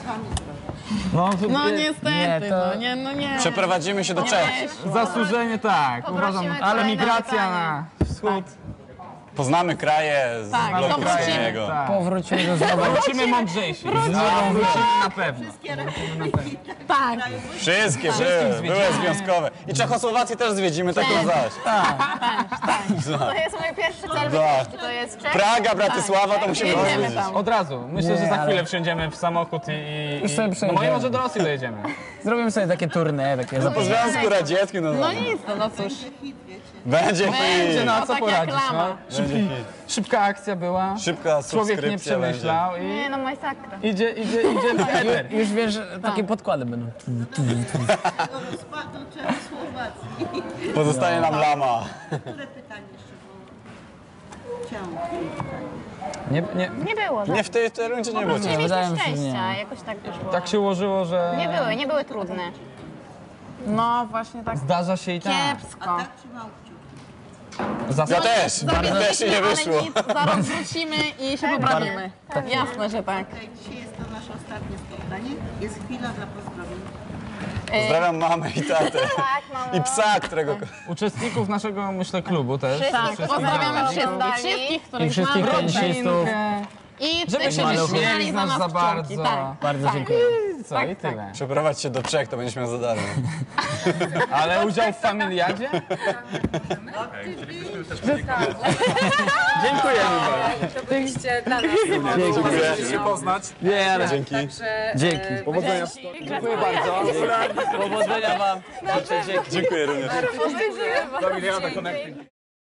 No niestety, nie. Przeprowadzimy się do Czech. Zasłużenie tak, uważam, ale migracja na wschód. Poznamy kraje z bloku wschodniego. Tak. Powrócimy do znowu. Wrócimy mądrzejsi. Wrócimy na pewno. Tak. Wszystkie były związkowe. I Czechosłowację też zwiedzimy, tak na zaś. To jest mój pierwszy cel wycieczki, to jest Czech. Praga, Bratysława, to musimy Jedziemy odwiedzić. tam. Od razu. Myślę, że za chwilę wsiądziemy w samochód Już sobie no przejdziemy. może może do Rosji dojedziemy. Zrobimy sobie takie tournée, takie Po Związku Radzieckim, No nic, no cóż. będzie Będzie, hit. no a co tak jak poradzić, lama. no. Będzie hit. Szybka akcja była. Szybka Człowiek nie subskrypcja będzie. przemyślał i Nie no, masakra. idzie w eter. Już wiesz, że takie podkłady będą. Rozpadu Czechosłowacji. Pozostaje nam lama. Które pytanie jeszcze było? Chciałam. Nie było, tak. Nie, w tej rundzie nie było. Nie mieliśmy wydaje mi się, że szczęścia, nie. jakoś tak wyszło. Tak się ułożyło, że Nie były trudne. No właśnie tak zdarza się i tak. kiepsko. Tak trzymał kciuki. Zasad... Ja też, też się nie wyszło. Ale nic, zaraz wrócimy i się poprawimy. Jasne, że tak. Okej, dzisiaj jest to nasze ostatnie spotkanie. Jest chwila dla pozdrowień. Pozdrawiam mamę i tatę. Tak, mamo. I psa, którego... Uczestników naszego, myślę, klubu też. Tak, pozdrawiamy Oglądali. wszystkich, I których wszystkich znamy. tenisistów. I Żeby tych, się którzy nie śmieli śmiali z nas za pszczółki, bardzo. tak. Bardzo dziękuję. Co, i tyle. Przeprowadź się do Czech, to będziesz miał za darmo. Ale udział w familiadzie? Dziękujemy bardzo. To byliście dla nas. Dziękuję. Się poznać. Nie, ale Dzięki. dzięki. Powodzenia. Dziękuję bardzo. Powodzenia wam. Dziękuję również. Do miliarda connecting.